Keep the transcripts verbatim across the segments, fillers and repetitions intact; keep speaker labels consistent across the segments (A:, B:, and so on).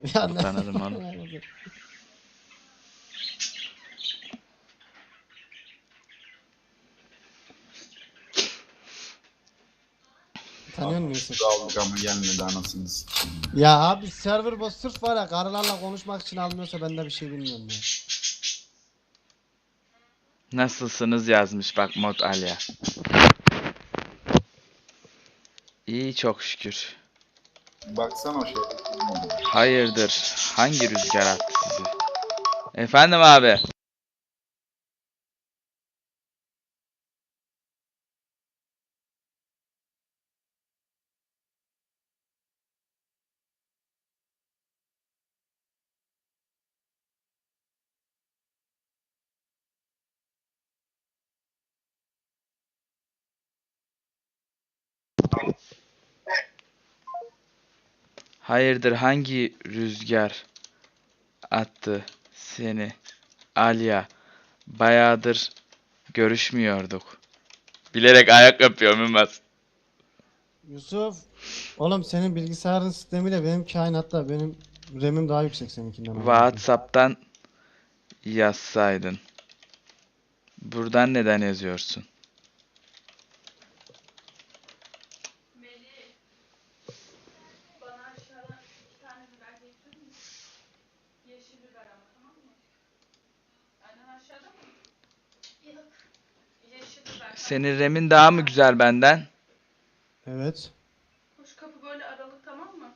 A: Ya ne?
B: Tanırım onu.
A: Tanıyor musun Yusuf?
C: Aldık ama gelmedi anasını sikeyim.
A: Ya abi server boss sırf var ya karılarla konuşmak için almıyorsa ben de bir şey bilmiyorum ya.
B: Nasılsınız yazmış bak Mod Alya. İyi çok şükür.
C: Baksana o şey.
B: Hayırdır? Hangi rüzgar attı sizi? Efendim abi. Hayırdır hangi rüzgar attı seni? Alya. Bayağıdır görüşmüyorduk. Bilerek ayak yapıyorum Ümmet.
A: Yusuf. Oğlum senin bilgisayarın sistemiyle benim kainatta benim RAM'im daha yüksek seninkinden. amına koyayım.
B: WhatsApp'tan yazsaydın. Buradan neden yazıyorsun?
D: Melih, bana aşağıdan iki tane biber getirir misin? Yeşil biber ama, tamam mı? Annen aşağıda mı? Yok. Yeşil biber, tamam.
B: Senin RAM'in daha mı güzel benden?
A: Evet.
D: Kuş kapı böyle aralık, tamam mı?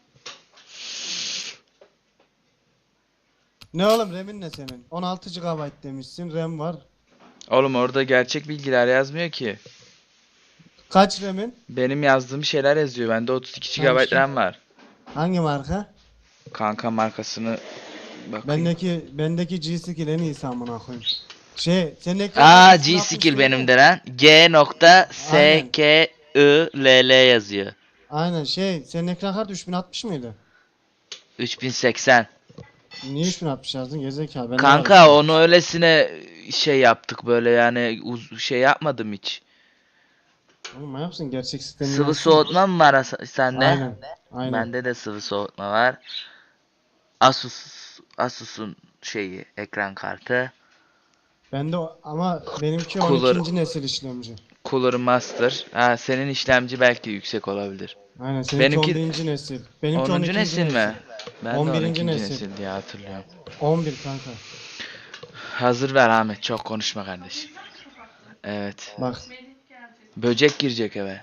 A: Ne oğlum RAM'in ne senin? on altı gigabayt demişsin RAM var.
B: Oğlum orada gerçek bilgiler yazmıyor ki.
A: Kaç RAM'in?
B: Benim yazdığım şeyler yazıyor. Bende otuz iki
A: Tamam
B: gigabayt
A: işte.
B: RAM var.
A: Hangi marka?
B: Kanka markasını bakayım.
A: Bendeki bendeki G-Skill en iyisi amına koyayım. Şey, senin ekran
B: Aa
A: kartı üç bin altmış
B: G-Skill
A: değil
B: benim
A: mi?
B: de lan. G nokta
A: Aynen.
B: S K I L L yazıyor.
A: Aynen şey, senin ekran kartı üç bin altmış mıydı?
B: üç bin seksen.
A: Niye üç bin altmış yazdın gerizekalı? Bende var
B: Kanka
A: üç bin
B: onu
A: altmış.
B: öylesine şey yaptık böyle yani uz şey yapmadım hiç.
A: Oğlum manyak mısın? Gerçek sistemi
B: Sıvı
A: yazsana.
B: soğutma mı var as- sende?
A: Aynen. Aynen.
B: Bende de sıvı soğutma var. Asus Asus'un şeyi ekran kartı.
A: Bende o, ama benimki on
B: Cooler
A: ikinci nesil işlemci.
B: Cooler Master. Ha senin işlemci belki yüksek olabilir.
A: Aynen seninki
B: Benimki
A: on birinci nesil. Benimki
B: onuncu
A: on ikinci
B: nesil
A: nesil.
B: mi? Ben de
A: on birinci
B: on ikinci
A: nesil.
B: nesil diye hatırlıyorum.
A: on bir kanka.
B: Hazır ver Ahmet, çok konuşma kardeşim. Evet.
A: Bak.
D: Melih gelecek.
B: Böcek girecek eve.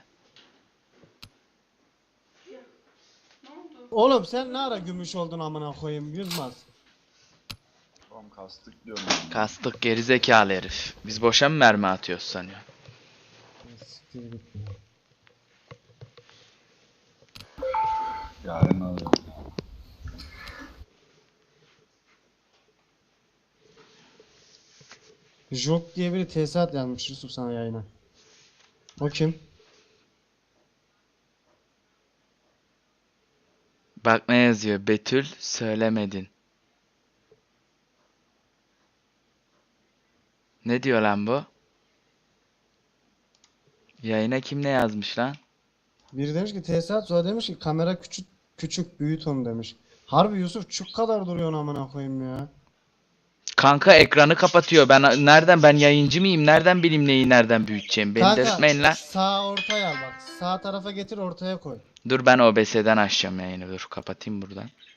D: Ne oldu?
A: Oğlum sen ne ara gümüş oldun amına koyayım Yılmaz.
C: Oğlum kastık diyorum.
B: Kastık gerizekalı herif. Biz boşa mı mermi atıyoruz sanıyor?
A: Siktir git ya.
C: Yarın alırım.
A: Jok diye biri tesisat yazmış Yusuf sana yayına. O kim?
B: Bak ne yazıyor? Betül söylemedin. Ne diyor lan bu? Yayına kim ne yazmış lan?
A: Biri demiş ki tesisat, sonra demiş ki kamera küçük küçük büyüt onu demiş. Harbi Yusuf çuk kadar duruyor amına koyayım ya.
B: Kanka ekranı kapatıyor. Ben nereden ben yayıncı mıyım? Nereden bileyim neyi nereden büyüteceğim? Beni
A: Kanka
B: delirtmeyin lan.
A: sağ ortaya al bak. Sağ tarafa getir ortaya koy.
B: Dur ben O B S'den açacağım yayını. Dur kapatayım buradan.